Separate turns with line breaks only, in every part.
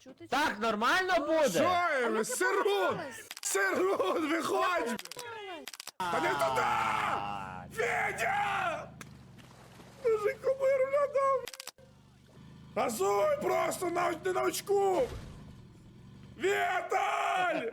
Так нормально буде?
Що? Сирун! Сирун, виходь! Та не туди! Федя! Мужик, кумиру надав! Газуй просто не на очку! Віталь!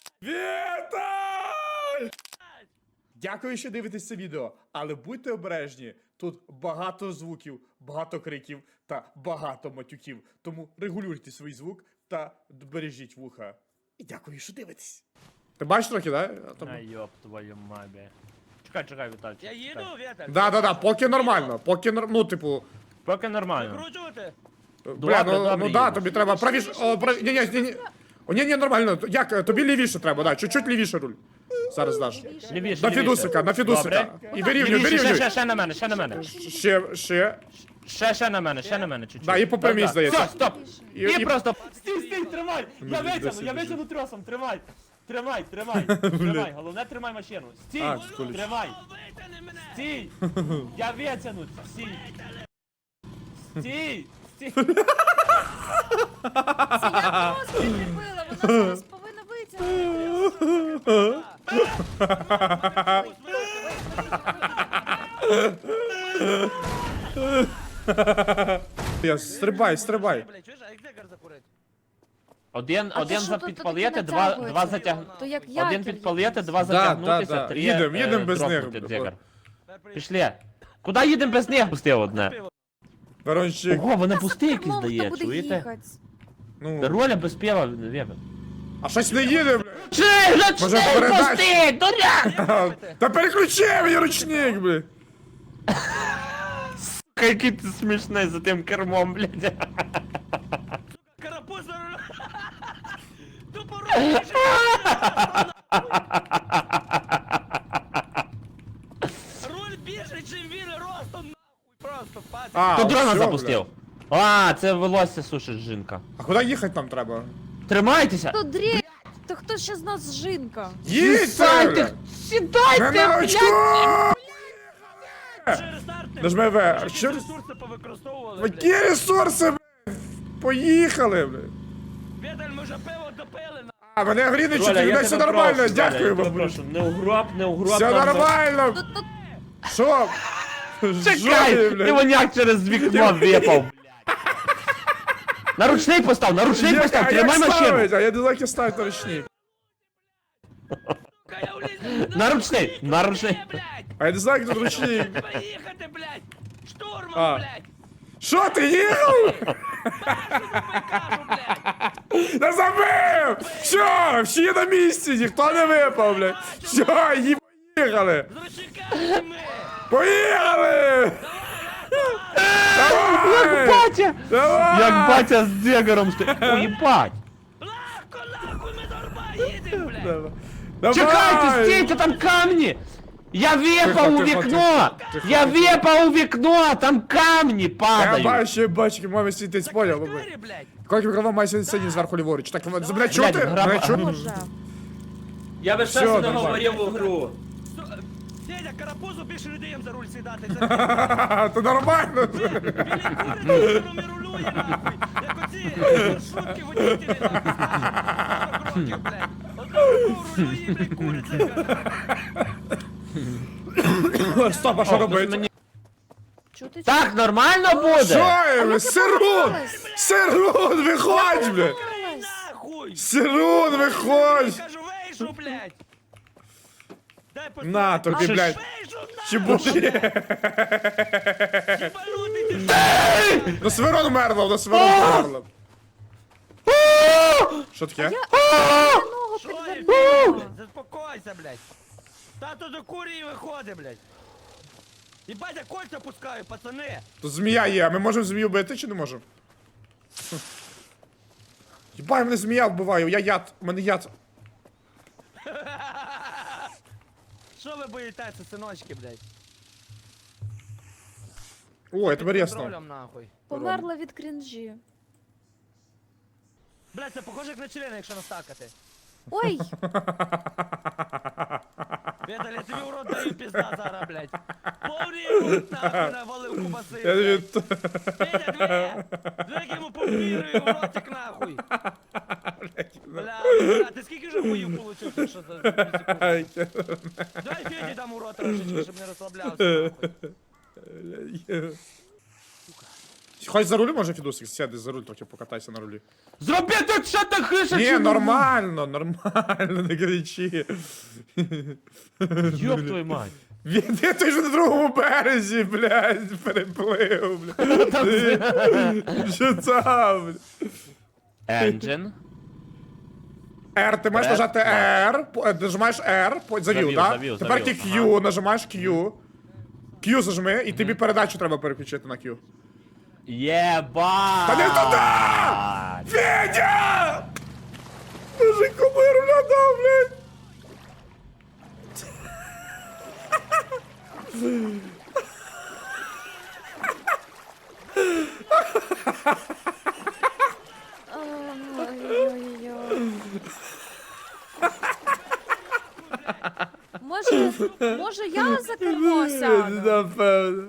Віталь! Дякую, що дивитесь це відео, але будьте обережні. Тут багато звуків, багато криків та багато матюків. Тому регулюйте свій звук та бережіть вуха. І дякую, що дивитесь. Ти бачиш трохи, да?
А ёб твою мабі. Чекай, Вітальчик.
Я їду, Віталь.
Да, поки нормально, ну, типу...
Поки нормально.
Викручувати?
Бля,
добре,
ну да,
їдеш.
тобі треба правіше, ні. Ні, нормально, як, тобі лівіше треба, да, чуть-чуть лівіше руль. Зараз даш.
Лівіше,
На
лівіше.
Фідусика, на Фідусика.
Добре.
І вирівнюй.
Ще на мене, ще на мене.
Ще.
Ще на мене, чуть-чуть.
Да, і по прямій, здається.
Все, стоп.
І
І просто... Стій, тримай. Я
біжи.
витягну тросом, тримай. Тримай. Головне, тримай машину. Стій,
А, скуліч.
тримай.
Витягни мене!
Стій. Я витягну, стій. Стій.
Це я просто прикріпила, вона зараз повинна витягнути.
Я стрибай.
Блядь, чуєш, а як декар закурить?
Один
що
за
тут
підпалити,
таке
два
натягується?
затягнути.
То як
Один
якір
підпалити, два
якийсь.
затягнутися,
да.
три
Їдем без них.
дропнути дзигар. Пішли. Куди їдемо без них? Пусти одне.
Ворончик,
Ого, вони пусті якісь
Мов, хто
дає,
буде
чуєте?
їхати?
ну...
Роля без пива, вебе.
А щось не їде, бля.
Чи,
Може,
ручник
передач?
пусти, дурак!
Та переключи мені ручник, бля.
Який ти смішний за тим кермом, блядь.
Карапуз за рулем! Тупо руль! Руль більше, чим він ростом, нахуй! Просто пацан!
А,
Хто дрона
всьо,
запустив?
бля.
А, це волосся сушить жінка.
А куди їхати нам треба?
Тримайтеся!
То дрі... То хто ще з нас жінка?
Їдьте,
Сідайте,
бля.
сідайте,
Не на очку!
блядь!
Через старти!
Нажми В.
Якісь
Що?
ресурси повикористовували,
Які ресурси, бля? Поїхали, бля.
Віталь, ми вже пиво допили, нахуй!
А, мене гріничуть,
Роля,
у
я
мене все
тебе
нормально,
прошу, Роля,
дякую
я тебе
вам.
прошу. Не угроб.
Все нормально.
Тут
Що?
Чекай,
Жові, бля.
ти воняк через вікно випав, блядь. На ручний постав, тримай машину.
А я не знаю, як ставити на ручник.
Сука, я влізу!
На ручний.
Блядь!
А я не знаю, як тут ручник.
Поїхати, блядь!
А.
Штурмом, блядь!
Що, ти їхав?
Кажу, блядь!
Та забив! Все, всі на місці, ніхто не випав, блядь. Все, їм поїхали.
З ручниками ми!
Поїхали!
Як
Давай!
батя!
Давай!
Як батя з дзигаром стоїть. Уїбать!
Легко, нахуй, ми норма їдемо, блядь!
Давай!
Чекайте, стійте, там камні! Я випав у
Тихо,
вікно!
тихо,
Я
тихо.
випав у вікно! Там камні
Я
падають!
бачу, мамі світить, поняв, бабу.
Двері, блядь!
Коли мікрофон має сидіти зверху ліворуч. Так, мене
Блядь,
чути?
граба.
Мене чути?
Боже.
Я би
Всьо, ще не нормально.
говорив у гру.
Федя, карапузу більше не даємо за руль сідати.
То нормально.
Він не рулює, нахуй! Як оці маршрутки водителі, нахуй, знаєш? 40 років, блядь! Одного рулює, блядь, куриця, блядь!
Стоп, а що робити?
Чути?
Так нормально буде?
Що? Сирун! Сирун, виходь, блядь!
Нахуй!
Сирун, виходь!
Кажу, вийшов, блядь! Дай
На тобі,
поставити.
блядь.
Вийшов,
Чи
нахуй!
буде?
Єбанутий ти!
На Сверон умерло, на Сверон умерло. Що таке?
Ногу
Що є,
підвернула.
блядь? Заспокойся, блядь! Тато до курії виходить, блядь! Єбать, я кольця пускаю, пацани!
Тут змія є, а ми можемо змію бити чи не можемо? Єбай, мене змія вбиває, я яд, у мене яд.
Що ви боїтеся, синочки, блядь?
О, я тебе
Під
рясно.
контролем, нахуй.
Померла від крінжі.
Блядь, це похоже як на члени, якщо настакати.
Ой,
Віталь, я тобі в рот даю пізда зараз, блядь. Повний рот нахуй навалив кубаси,
Я тобі
блядь.
т-
Вітя, дві! Дві йому повірую в ротик нахуй. Бля, а ти скільки вже боїв получив, що за секунду?
Ай,
Дай Феді дам у рот трошечки, щоб не розслаблявся нахуй.
Хоч за руль може, Фідусик, сяди за руль, трохи покатайся на рулі.
Зроби тут що ти хише,
Ні,
чи
нормально, не кричи.
Йоп твою мать.
Він ти ж на другому березі, блядь, переплив, блядь. Що там, блядь?
Engine.
R, ти маєш
Р,
нажати R, нажимаєш R, завів,
Завів,
так?
завів,
Тепер
завів,
Q, нажимаєш Q. Q зажми, і тобі передачу треба переключити на Q.
Єба!
Та не туди! Федя! Боже, кому я руля дав, блядь?
Ой-ой-ой. Може я за кермо сяду?
Напевно.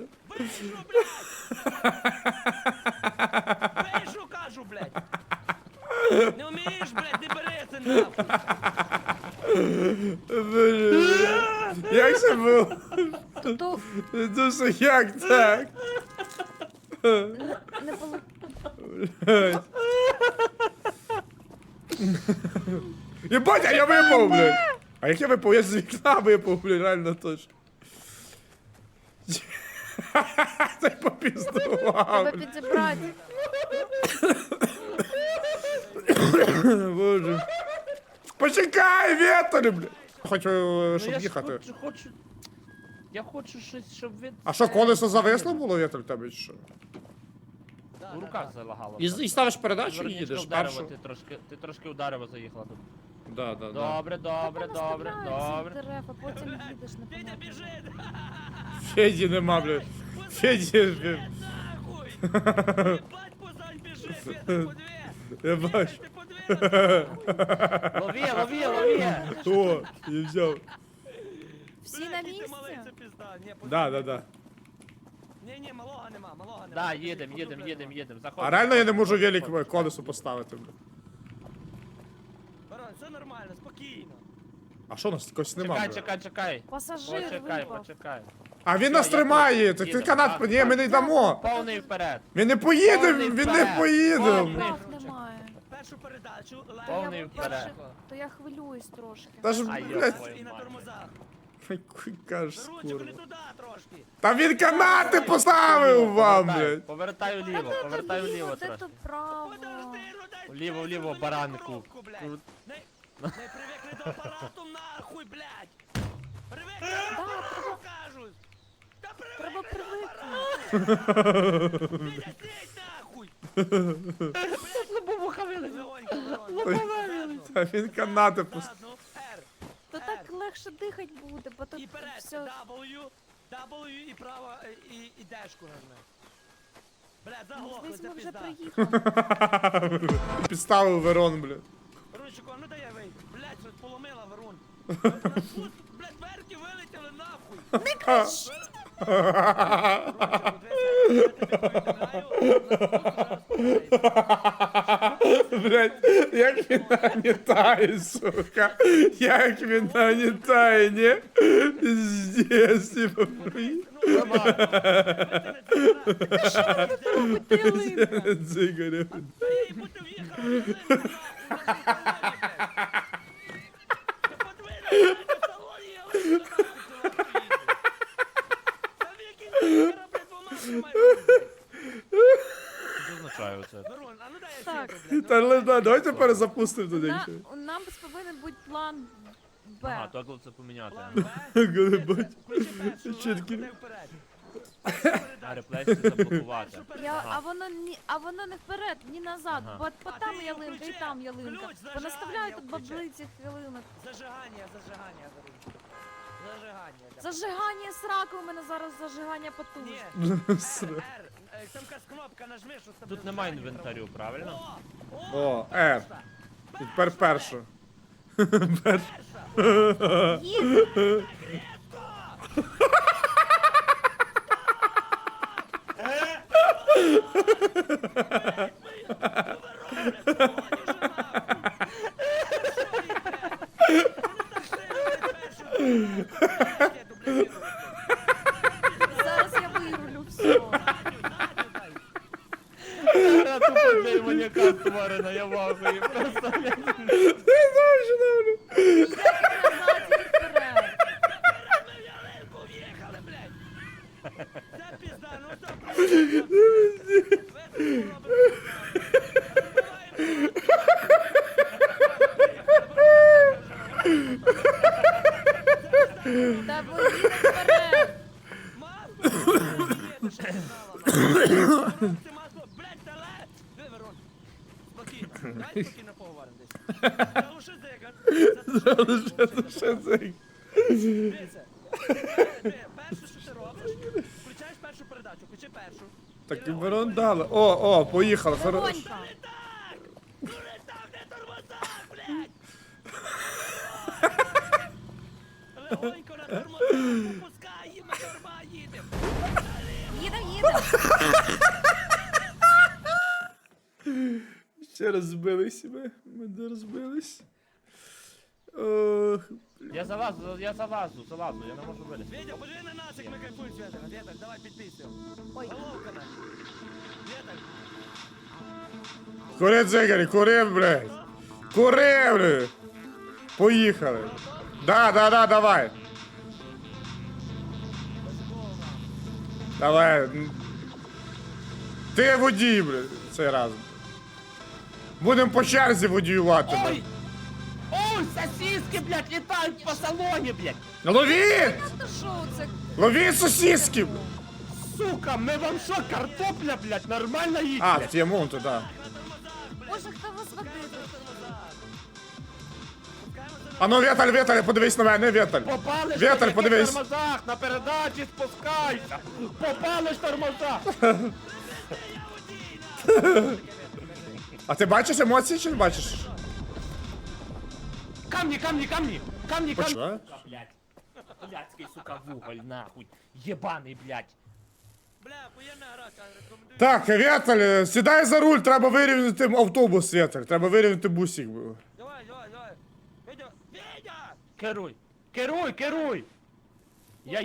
Вийшу, кажу, блядь. Не вмієш, блядь, не бери це нахуй.
Боже, як це було?
То
Дуже як так?
не було.
Єбать, а я випав, блядь. А як я випав? Я з вікна випав, блядь, реально точно. Це попіздував.
Тебе підібрати.
Боже. Почекай, Віталь, блядь. Хочу, щоб їхати.
Я хочу щось, щоб від...
А що, колесо зависло було, Віталь, тебе чи що?
У руках залагало.
І ставиш передачу і
Зверничка
їдеш
в дерево,
першу.
ти трошки у дерево заїхала тут.
Да, да, да.
Добре, добре, добре, добре.
Дерев, а потім їдеш на
Федя,
помилку.
біжи!
Феді нема, блядь. Феді, блядь.
Нахуй! Єбать, позань біжи, Федя, по дві!
Я бачу.
Ти по дві!
Лови, лови, лови!
О, я взяв.
Всі на
Який ти малий,
місці?
це пізда. Ні,
Да, да, да.
Ні, малого нема, малого нема.
Да,
Біжи,
їдем,
по
їдем,
добрі
їдем,
нема.
їдем.
А реально я не можу велик колесо поставити, блядь.
Барон, все нормально, спокійно.
А що у нас когось нема,
Чекай,
блядь?
чекай, чекай.
Пасажир
Почекай,
випав.
почекай.
А він
Все,
нас
я
тримає,
тут.
так ти
Їдемо,
канат,
так,
ні, ми
так.
не йдемо.
Повний вперед.
Ми не поїдемо,
Повний
він не
вперед.
поїдемо.
Повний.
Прав немає.
Першу передачу,
Повний
лайк.
вперед.
То я хвилююсь трошки.
Та ж,
Ай,
блядь,
йо.
І на тормозах.
який кажеш,
Ручку не
курва.
туди трошки.
Та він канати поставив вам,
Повертай,
блядь.
Повертай вліво, повертай вліво
Де то
трошки.
право?
Подожди, ну дай
Вліво,
чесно,
вліво,
мені
баранку.
коробку, блядь.
Крут.
Не привикли до апарату, нахуй, блядь. Привикли до
Да,
апарату, кажуть. Та
Треба
привикли
привикнути.
до апарату. Сидь нахуй.
Лобовуха вилазить.
Легонько, Легонько.
Та він канати поставив.
Задну, R.
То так легше дихати буде, бо тут
І вперед,
все.
W і право, і дешку нажми. Блядь, заглохли,
Десь
це
ми вже
пізда.
приїхали.
Підставив Верон, блядь.
Ручику, а ну дай я вийду. Блядь, щось поломила Верун. Блядь, дверки вилетіли нахуй.
Не кричи!
Блядь, як він нагнітає, сука. Як він нагнітає, ні? Здесь, типа,
Ти ялинка.
дзигарів.
Що означає оце?
Так.
Та ладно, давайте перезапустимо туди.
У нас повинен бути план
Ага,
Б.
то це поміняти.
Чіткі.
А реплейси заблокувати.
А воно не вперед, ні назад.
Ага.
Бо там ялинка і там ялинка.
Ключ
Понаставляють тут
зажигання
баблиці ялинок.
Зажигання, Зажигання. да.
Зажигання сраку, у мене зараз зажигання потужне.
Ні, R, там якась кнопка нажми, що з тобою
Тут немає
зажигання
інвентарю, правильно?
О,
О, R. І тепер перша.
перша.
Їдь. Зараз я вирулю все.
Гра тупо для маньяка створена, я вахую. Просто, блядь.
Назад і вперед.
Уїхали, блядь! Це пізда, ну що,
Та поїдемо вперед.
Блядь, дале! Верон, спокійно, давай спокійно поговоримо десь. Залиши зигар.
Що це?
Дивіться, перше, що ти робиш, включаєш першу передачу, включи першу.
Так і Верон дали. О, поїхали. Хорошо.
Вогонька.
Ну не там, не тормоза, блядь! Легонько на тормоза, попускай, їм на торма їдем.
Їдемо.
Ще розбились ми де розбились. Ох,
Я залазу, я не можу вилізти.
Вітя, подиви на нас, як ми кайфуємо, Святик. Віталь, давай підписуємо.
Ой.
Головка на. Віталь,
кури, дзигарі, кури, блядь. Кури, блядь. Поїхали. Да, давай. Давай. Ти водій, блядь, цей раз. Будемо по черзі водіювати, блядь.
Ой! Ой, сосиски, блядь, літають по салоні, блядь!
Ловіть!
Та що це?
Ловіть сосиски!
Сука, ми вам що, картопля, блядь, нормально їсть,
А,
блядь?
в Тіамонту, да.
Боже, хто вас водить?
А ну, Віталь, подивись на мене, Віталь.
Попали ж
Віталь,
на таких
подивись.
тормозах, на передачі спускайся! Попали ж тормоза!
А ти бачиш емоції чи не бачиш?
Камні!
Що?
Блядь, блядський, сука, вуголь, нахуй! Єбаний, блядь!
бля, охуєнна гра, рекомендую.
Так, Віталь, сідай за руль, треба вирівняти автобус, Віталь. Треба вирівняти бусик.
Давай. Вітя,
Керуй! Я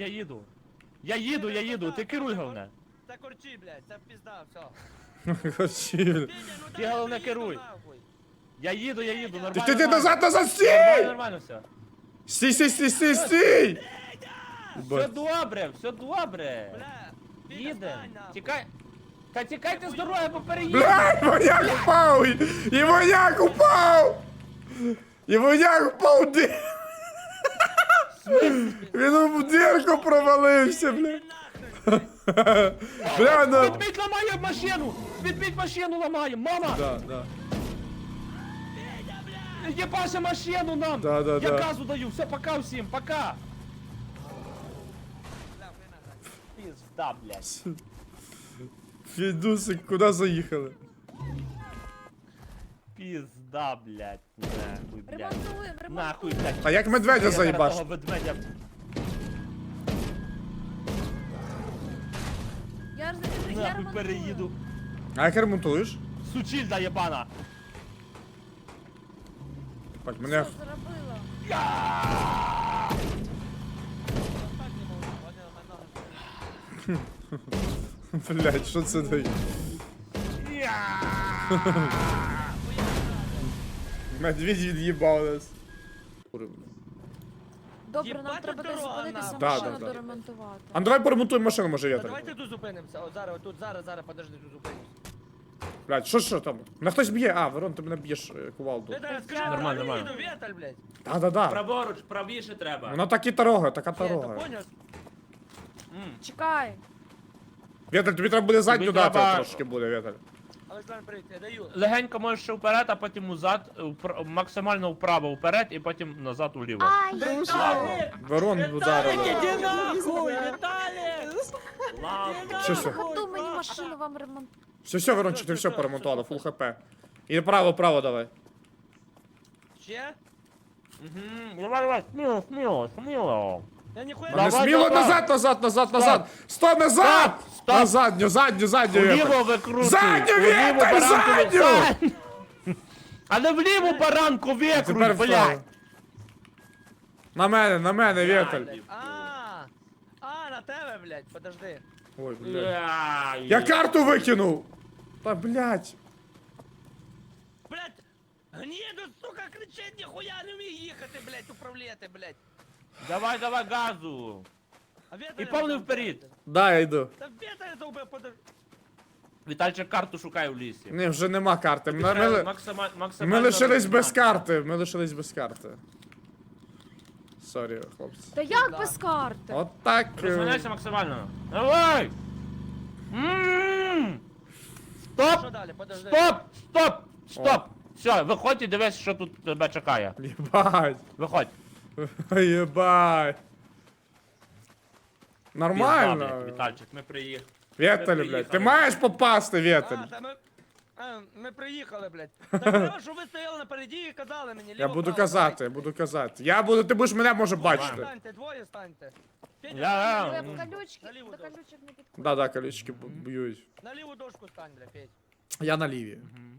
їду, ти керуй, головне.
Це корчі, блядь, це пізда, все.
Хочі.
Вітя, ну
Ти
дай
головне
приїду,
керуй.
нахуй.
Я їду, нормально.
Ти назад,
Нормально,
стій!
нормально все.
Стій!
Все добре,
Бля, Вітя,
Їдем.
стань, нахуй.
Тікай. Та тікайте з дороги, бо переїдемо.
Блядь, воняк упав! І воняк упав! Він в дірку провалився, бля. Бля, ну...
Відбіть ламає машину! Відбіть машину ламає! Мама!
Да.
Єбаше машину нам!
Да.
Я газу даю! Все, пока всім, пока! Пізда, блядь.
Фідусик, куди заїхали?
Пізда, блядь. Нахуй, блядь.
Ремонтуємо.
Нахуй, блядь.
А як медведя
Я
заїбаш?
того ведмедя.
Я
Нахуй
ремонтую.
переїду.
А як ремонтуєш?
Сучільда єбана.
Бать,
Що
мене...
зробила?
Так не можу, понял, мене.
Блядь, що це дає? Медведь від'їбав нас.
Добре, нам
Їбать,
треба
тут
десь
дорога,
зупинитися,
нахуй.
Да,
машину
да.
доремонтувати.
А ну давай поремонтуємо машину, може,
Та
Віталь.
давайте тут зупинимося, от зараз, подожди, тут зупинимося.
Блядь, що там? На хтось б'є? А, Верон, ти мене б'єш кувалду.
Віталь, скажи,
Нормально,
нормально,
нормально.
Віталь, блядь.
Да.
Праворуч, правіше треба.
Вона так і дорога, така
Є, то
дорога.
понял?
Чекай.
Віталь, тобі треба буде задню
Тобі
дати
треба-
трошки буде, Віталь.
Олександр, привіт, я даю.
Легенько можеш ще вперед, а потім назад, максимально вправо вперед і потім назад уліво.
Ай,
Верон ударив.
Іди нахуй, Віталік!
Все.
ходу мені машину вам ремонтувати.
Все, Верончик, ти все поремонтувала, фул хп. І право, давай.
Ще?
Давай, сміло.
Я ніхуя
Не
Давай,
сміло,
давай.
назад! Сто, назад!
Стоп!
На задню,
Вліво
Віталь.
викручуй.
Задню,
Вліво
Віталь,
баранку ви-
задню!
А не вліву баранку
Тепер
викруть,
вправо.
блядь.
На мене, Віталь.
На тебе, блядь, подожди.
Ой, блядь. Я карту викинув! Та, блядь.
Блядь, гніду, сука, кричить, ніхуя не вміє їхати, блядь, управляти, блядь.
Давай, газу.
А Віталя
І повний
там
вперед.
вбити.
Да, я йду.
Та Віталя заубив, подожди.
Вітальчик карту шукає в лісі.
Ні, вже нема карти.
Максимально
Ми лишились без карти. Ми лишились без карти. Сорі, хлопці.
Та як без карти?
От так.
Розганяйся максимально. Давай! Стоп!
Що далі, подожди.
Стоп! Все, виходь і дивись, що тут тебе чекає.
Єбать.
Виходь.
Єбать.
Пізда,
Нормально.
блядь, Вітальчик, ми приїхали.
Вєталь, блядь. Ти маєш попасти, Вєталь.
Та ми приїхали, блядь. Так треба, що ви стояли напереді і казали мені, ліво,
Я буду
право,
казати, я буду казати. Ти будеш мене може
Двоє
бачити.
станьте, двоє станьте. Федя,
Я-
Ви
стань
в колючки,
Наліво
до
дорогу.
колючок не підходить.
Да, колючки б'ють.
на ліву дошку стань, бля, Федь.
Я на ліві.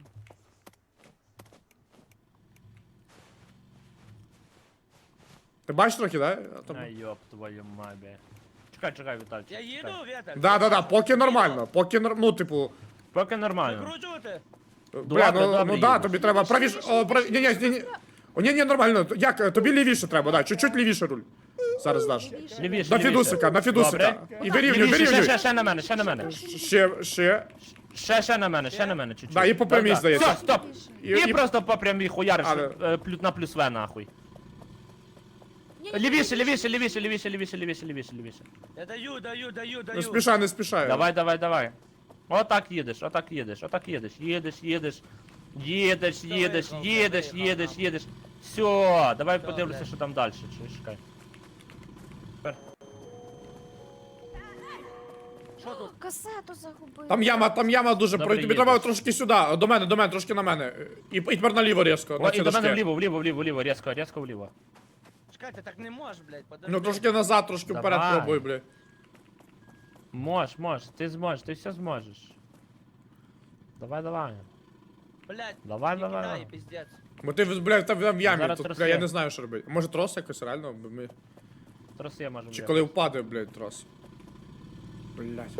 Ти бачиш трохи, да?
Ай, йоп, твою мабі. Чекай, Вітальчик.
Я їду,
чекай.
Віталь?
Да, поки нормально. Ну, типу.
Поки нормально.
Викручувати?
Бля,
добре,
ну да,
їдеш.
тобі треба правіше. Ні. О, ні, нормально. Як? Тобі лівіше треба, да. Чуть-чуть лівіше руль. Зараз даш.
Лівіше,
На
лівіше.
Фідусика, на Фідусика.
Добре.
І вирівнюй,
Лівіше,
вирівнюй.
ще на мене.
Ще.
Ще на мене, чуть-чуть.
Да, і по прямій,
Да.
здається.
Все, стоп. І просто по прямій хуяриш
Але-
на плюс В, нахуй.
Ні-ні-ні,
Лівіше.
Я даю.
Не спішай.
Давай. Отак їдеш. Їдеш. Все, давай
Всё,
подивлюся,
блядь.
що там далі. Чекай.
Що тут?
Касету загубив.
Там яма дуже.
Добре,
Тобі треба
їдеш.
трошки сюди. До мене, трошки на мене. І тепер наліво різко.
О,
На
і
ці
до мене
дошки.
вліво, різко вліво.
Чекайте, так не можеш, блядь, подожди.
Ну трошки назад, трошки вперед
Давай.
пробуй, бля.
Можеш, ти зможеш, ти все зможеш. Давай.
Блядь,
Давай.
не кидай, пиздец.
Бо ти, блядь, там в ямі.
Зараз
Тут,
трос
бля, я
є.
не знаю, що робити. Може трос якось реально? Ми...
Трос я можу.
Чи коли впаде, блядь, трос. Блядь.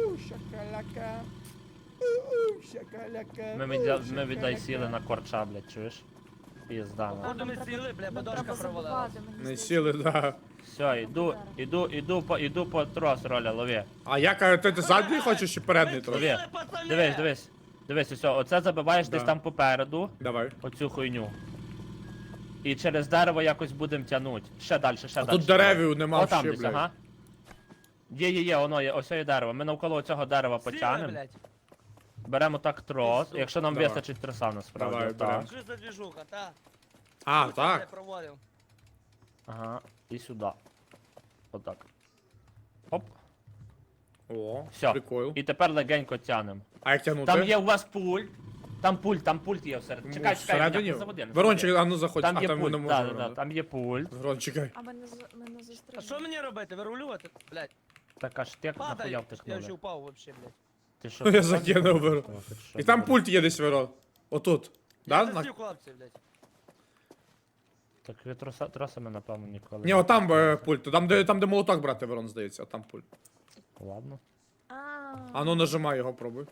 Ми віддай сіли на корча, блядь, чуєш? Пізда. на.
Походу ми сіли, бля, бо дошка провалилась.
Не сіли, да.
Все, іду по трос, Роля, лови.
А як, ти задній хочеш чи передній трос?
Лови. Дивись, все, оце забиваєш
Да.
десь там попереду,
Давай.
оцю хуйню. І через дерево якось будемо тягнути. Ще далі.
А тут деревів нема
О, там
ще,
десь,
блядь.
ага. Є, воно є, ось є дерево. Ми навколо цього дерева
Сіли,
потягнемо.
блядь.
Беремо так трос,
Пізду.
якщо нам
Давай.
вистачить троса насправді.
Давай,
так.
берем.
Що за движуха, та?
А,
Тут,
так.
бля, проводив.
Ага, і сюди. Отак. Оп.
О,
Все.
прикол.
І тепер легенько тягнемо.
А як тягнути?
Там є у вас пульт. Там пульт є всередині. Чекай,
Всередині?
не заводи, не
Верончик,
заводи.
а ну заходь.
Там
А
є
там ми не
пульт,
можемо.
там є пульт.
Верон, чекай.
А мене
А що
застрелили.
мені робити? Вирулювати? Блядь,
Так аж ти нахуя
падай. Я
втихнули.
вже упав вообще, блядь.
Ти що?
Я
ти
закинув, Верон.
О, ти що,
І там
блядь?
пульт є десь, Верон. Отут.
Я
Да?
засів, хлопці, блядь.
Так ви тросами, напевно, ніколи.
Ні, отам пульт. Там, де молоток брати, Верон, здається, там пульт.
Ладно.
А ну нажимай його, пробуй.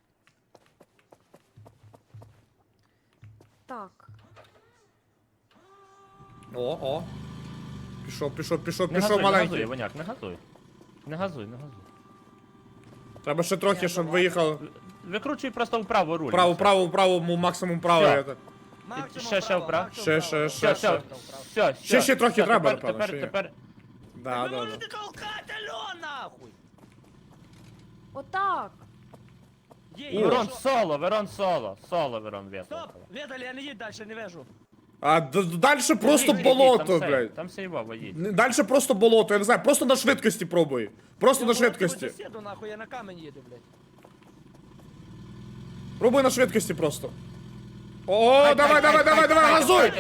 Так.
О. Пішов
Не газуй,
маленький.
Воняк, не газуй.
Треба ще трохи, щоб виїхав.
Викручуй просто вправо руль.
Вправо, максимум право.
Всьо.
я так.
Максимум
ще
право,
вправо.
максимум
Ще,
право.
ще,
Все.
Ще трохи треба, напевно,
Тепер,
ще є.
тепер.
Да,
Ви
да,
можете
да.
толкати, алло, нахуй!
Отак.
Є,
Верон
що?
соло, Верон вето.
Стоп! Віталій, я не їдь далі, не вижу.
А далі просто болото, блядь.
Там сейвово їдь.
Далі просто болото, я не знаю, просто на швидкості пробуй. Просто на швидкості.
Сіду, нахуй, я на камінь їду, блядь.
Пробуй на швидкості просто. О, давай, газуй!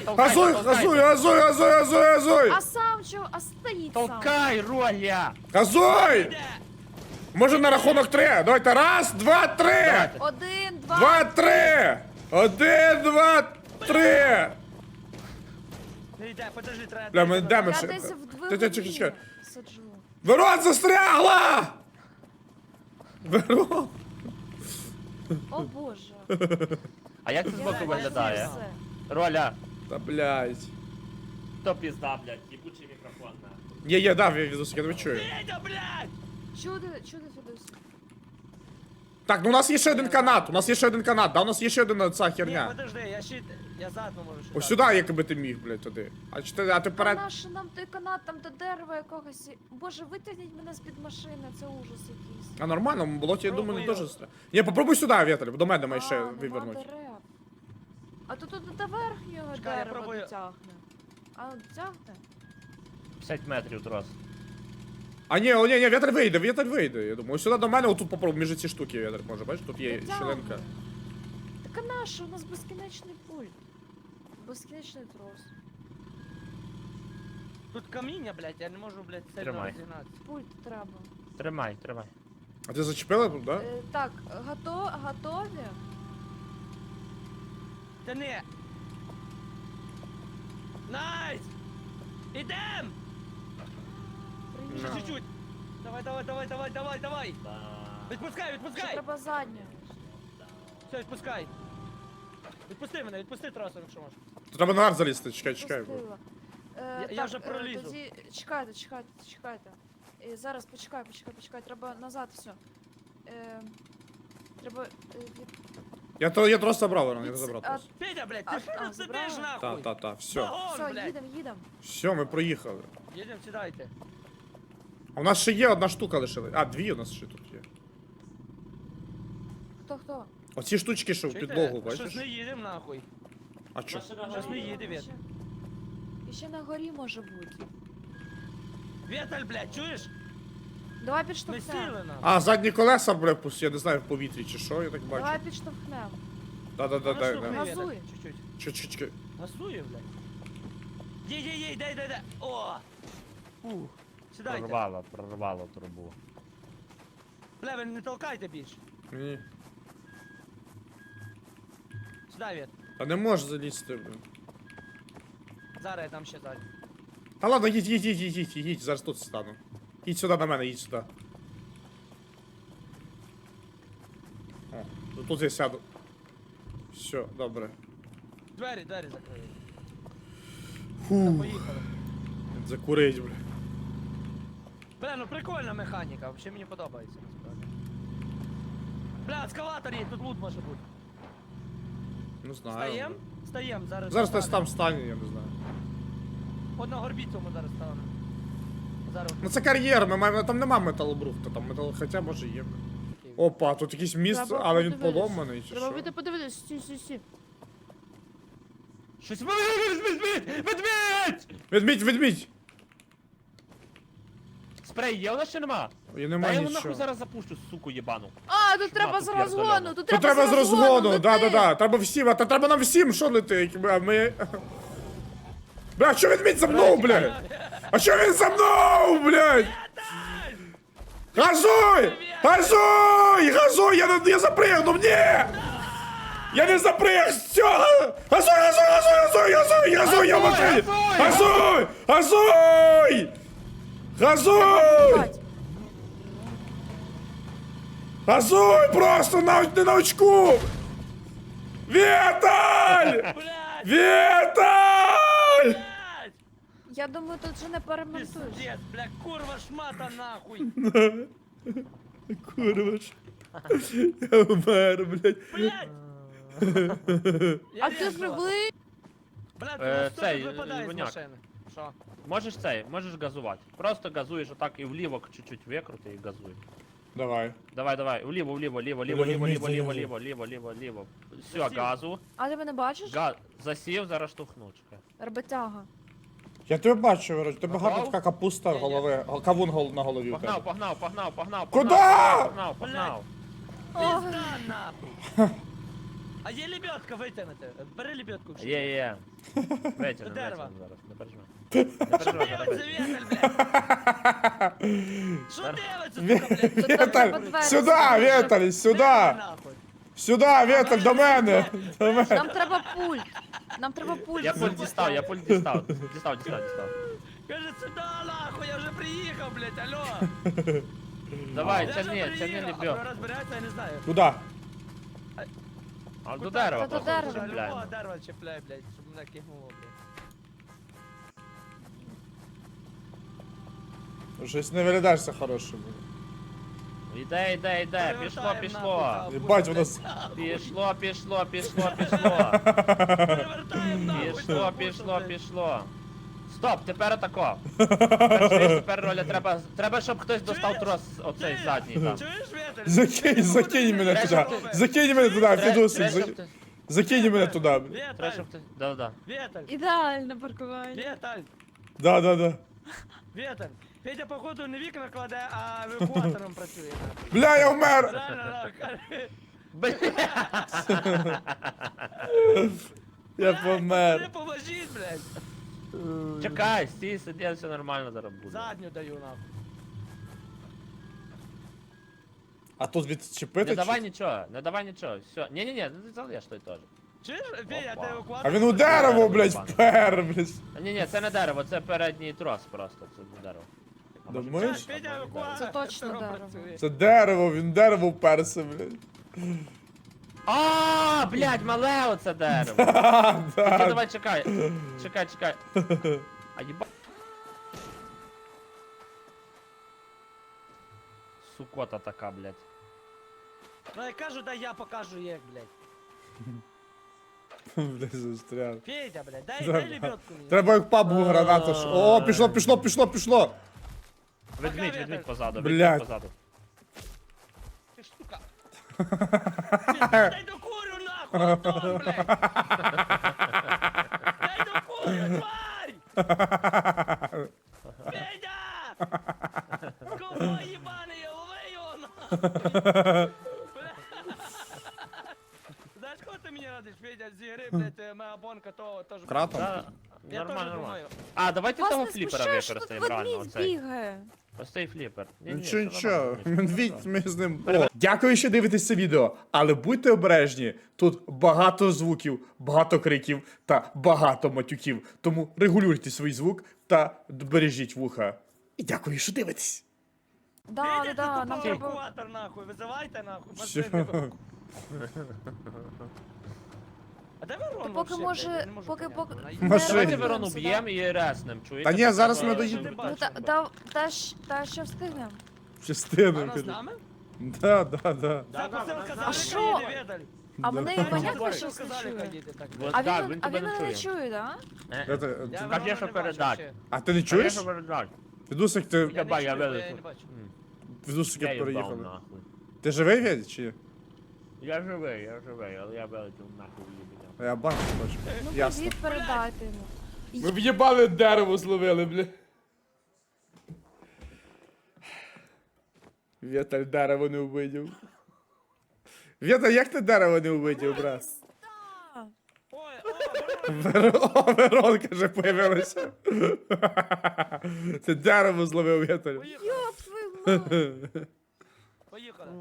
Газуй!
А сам чого? А стоїть сам.
Толкай, Роля!
Газуй! Може на рахунок 3? Давайте, раз, два, три!
Давайте.
1, 2,
Два, три! 1, 2, 3!
Не йде, подожди, треба.
Бля, ми йдемо
Я
ще.
десь в
Чекай.
двигуні сиджу.
Верон застрягла! Верон!
О боже.
А як це
Я
збоку
бачу
виглядає?
все.
Роля,
Та блядь.
то пізда, блядь, їбучий мікрофон, нахуй.
Є, дав, я відосик, я тебе чую.
Федя, блядь!
Чудо, Федос.
Так, ну у нас є ще один канат, да, у нас є ще одна ця
Ні,
херня.
подожди, я задну можу ще.
Ось сюди, якби ти міг, блядь, туди. А ти
А
вперед.
наш нам той канат, там до дерева якогось. Боже, витягніть мене з-під машини, це ужас якийсь.
А нормально, в болоті, я думаю, не
Пробую.
дуже страшно. Ні, попробуй сюди, Віталь, до мене має
А,
ще
нема
вивернуть.
дерев. А то тут до верхнього
Чекай, я
дерева
пробую.
дотягне. А дотягне?
50 метрів трос.
А ні, Віталь вийде, я думаю. Ось сюди до мене, отут попробуй, між ці штуки, Віталь, може, бачиш, тут є
Дотягне.
щілинка.
Так а наше, у нас безкінечний пульт. Безкінечний трос.
Тут каміння, блядь, я не можу, блядь, сильно
Тримай.
розігнатися.
Пульт треба.
Тримай.
А ти зачепила тут, да?
Так, готові?
Та не. Найс! Ідем! Ще
Приїхали.
чуть-чуть. Давай. Відпускай,
Ще
відпускай!
треба задню.
Все, відпускай. Відпусти тросом, якщо можеш.
Тут треба наверх залізти, чекай.
Пустила.
Я вже пролізу.
Тоді чекайте. Зараз почекай, треба назад все. Треба...
Я трос забрав, Верон, я не забрав трос.
Федя, блядь,
А,
ти що тут
забрала?
сидиш нахуй?
Та, все.
Вагон,
Все,
блядь.
їдем.
Все, ми проїхали.
Їдем, сідайте.
А у нас ще є одна штука лишилась. А, дві у нас ще тут є.
Хто?
Оці штучки, що в
Чуєте?
підлогу,
Щось
бачиш?
не їдем нахуй.
А чо?
Щось не їде, Вет.
І ще на горі може бути.
Віталь, блядь, чуєш?
Давай
Ми
підштовхнемо.
сіли нахуй.
А, задні колеса, бля, я не знаю, в повітрі чи що, я так бачу.
Давай підштовхнемо.
Да.
Газуй.
Чуть-чуть.
Чекай.
Газує, блядь. Їй, дай. О! Фух. Сідайте.
Прорвало трубу.
Бля, ви не толкайте більше.
Ні.
Сідай, Вет.
Та не можеш залізти, блін.
Зараз я там ще ззаді.
Та ладно, їдь, зараз тут стану. Їдь сюди на мене, їдь сюди. О, тут я сяду. Все, добре.
Двері закрили.
Фу,
Поїхали.
закурить, бля.
Бля, ну прикольна механіка, взагалі мені подобається насправді. Бля, ескалатор є, тут лут може бути.
Не знаю.
Стаєм, зараз.
Зараз хтось
стане.
там стане, я не знаю.
От на горбіцю ми зараз станемо. Зараз.
Ну це кар'єр, ми маємо, там нема металобрухту, там метал, хоча може є. Опа, тут якийсь міст,
Треба
але він
подивитись.
поломаний чи що?
Подивитись, стій.
Щось Ведмідь!
Ведмідь!
Спрей є у нас чи нема?
І
Та
нема
я його
нічого.
нахуй зараз запущу, суку єбану.
А, тут треба
тут
з
я
розгону,
здоровий.
тут
Тут треба з розгону,
лети.
да. Треба всім, та треба нам всім, що летить, а ми... Бля, що ведмідь за мною, блядь? А що він за мною, блядь? Газуй! Я запригнув, ні! Я не заприг, все! Газуй, я в машині! Газуй просто, не на очку! Віталь!
Блядь!
Віталь!
Блядь!
Я думаю, тут вже не перемонтуєш.
Пиздец, бля, курва шмата нахуй!
Курва ж. Я умер, блядь.
Блядь! Я
А ти
режу.
живий?
Бля,
Е,
ти
цей,
випадає з
Воняк.
машини. Що?
Можеш газувати. Просто газуєш отак і вліво чуть-чуть викрути і газуй.
Давай.
Давай, вліво. Все,
Засів.
газу.
А ти мене бачиш?
Засів, зараз штовхну, чекай.
Роботяга.
Я тебе бачу, Вероч, тебе
Погнав?
гарна така капуста голови, кавун на голові у тебе.
Погнав.
Куда?
Погнав.
Ой.
Пизда нахуй! А є лебедка витягнути. Бери лебедку.
Є. Витягнемо,
Дерева.
зараз, не переживай. Не переживай, зараз
Дивиться,
витягнемо.
Віталь, блядь! Що дивиться, сука, блядь?
Віталь,
двері
сюди,
закрити.
Віталь, сюди!
Нахуй.
Сюди, Віталь, до мене! До мене!
Нам треба пульт. Нам треба пульт.
Я пульт дістав, я пульт дістав. Дістав.
Каже, сюди, нахуй, я вже приїхав, блядь, алло.
Давай,
Я
це
вже
не
приїхав.
лебедка.
А розбирається, я не знаю.
Куди?
А до дерева
Та до
просто
дерева.
чіпляємо.
Любого дерева чіпляй, блядь, щоб мене кигнуло, блядь.
Щось не виглядаєшся хорошим.
Іде. Пішло.
Перевертаємо
Єбать, воно
нахуй,
Пішло.
Перевертаємо нахуй.
Пішло. Стоп, тепер атако. Тепер роля треба, щоб хтось достав трос оцей задній там.
Чуєш, Віталь?
Закинь мене туди. Закинь мене туди, Фідусик. Закинь мене туди.
Треба,
Віталь,
щоб хтось... Да.
Віталь,
Ідеальне паркування.
Віталь,
Да.
Віталь. Федя, походу, не вікна кладе, а евакуатором працює. нахуй.
Бля, я вмер!
Реально, нахуй.
Я
Не
помер.
поможіть, блядь.
Чекай, стій, сиди, все нормально зараз буде.
Задню даю, нахуй.
А тут відчепити?
Не давай нічого, все. Ні, не залиш той теж.
Чуєш, Федя,
Опа.
ти евакуатор?
А він у дерево, блядь, впер, блядь.
Ні, це не дерево, це передній трос просто, це не дерево. А може,
Думаєш?
Чуєш, Федя евакуатор.
Це точно дерево.
працює.
Це дерево, він дерево вперся, блядь.
А, блядь, мале оце дерево.
А,
Тільки
да.
давай, чекай. А єба... Сукота така, блядь.
Ну я кажу, дай я покажу як, блядь.
Блядь, застряг.
Федя, блядь, дай
Треба.
лебедку мені.
Треба як пабу гранату. О, пішло.
Ведмідь позаду,
Блядь.
Ти штука. Дай докурю нахуй, Антон, блядь. Дай докурю, тварь! Федя! Ковбой ебаний, лови його нахуй! Знаєш, кого ти мені радиш, Федя, з ігри, блядь, моя бонка, то теж...
Кратом?
Да,
Я теж
нормально.
думаю.
А, давайте
Вас
того
не
фліпера
смущає, що тут
використаємо, реально,
ведмідь
оцей.
бігає.
Ось цей фліпер.
Нічого. Медвідь, ми з ним. О. Дякую, що дивитесь це відео, але будьте обережні. Тут багато звуків, багато криків та багато матюків. Тому регулюйте свій звук та бережіть вуха. І дякую, що дивитесь.
Да,
Федя,
да,
ти
нам
тупо
треба...
евакуатор нахуй, визивайте нахуй,
Що?
машину. А де Верон
Поки
вообще,
може,
блядь? Я не можу
поки...
поняти.
Машину.
Давайте
Сині.
Верону б'ємо і реснем, чуєте?
Та ні, зараз
Треба-
ми доїдемо.
Ну, та ще встигнемо.
Частину.
Вона з нами?
Да.
Так, Василь
А
казали,
що?
їде, Віталь.
А мене
Да.
і понятно,
Василь
що все
казали,
чує.
їде, так.
Вот
А
так,
він,
він
а
тебе
він
не
мене не
чує.
чує, да?
Я те-
Я
ти-
Верона
Кажи,
не
що
бачу
передать.
ще.
А ти не чуєш?
Конечно, передать.
Фідусик, ти
Я не
Єбать, я
чую, бо
вилетів.
я не бачу.
Фідусики
Я їбав
переїхали.
нахуй.
Ти живий, Вєдь, чи ні?
Я живий, але я вилетів нахуй їбеня.
А я бачу, бачу.
Ну,
Ясно.
привіт передайте йому.
Ми в'єбали дерево зловили, бля. Віталь дерево не увидів. Віталь, як ти дерево не увидів, брат?
Ой, о,
О, Веронка вже появилася. Це дерево зловив Віталь.
поїхали,
Йоп, твою мать.
поїхали.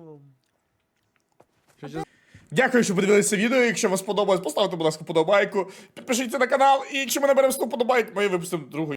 Дякую, що подивилися відео. Якщо вам сподобалось, поставте, будь ласка, подобайку. Підпишіться на канал. І якщо ми наберемо 100 подобайок, ми випустимо другу.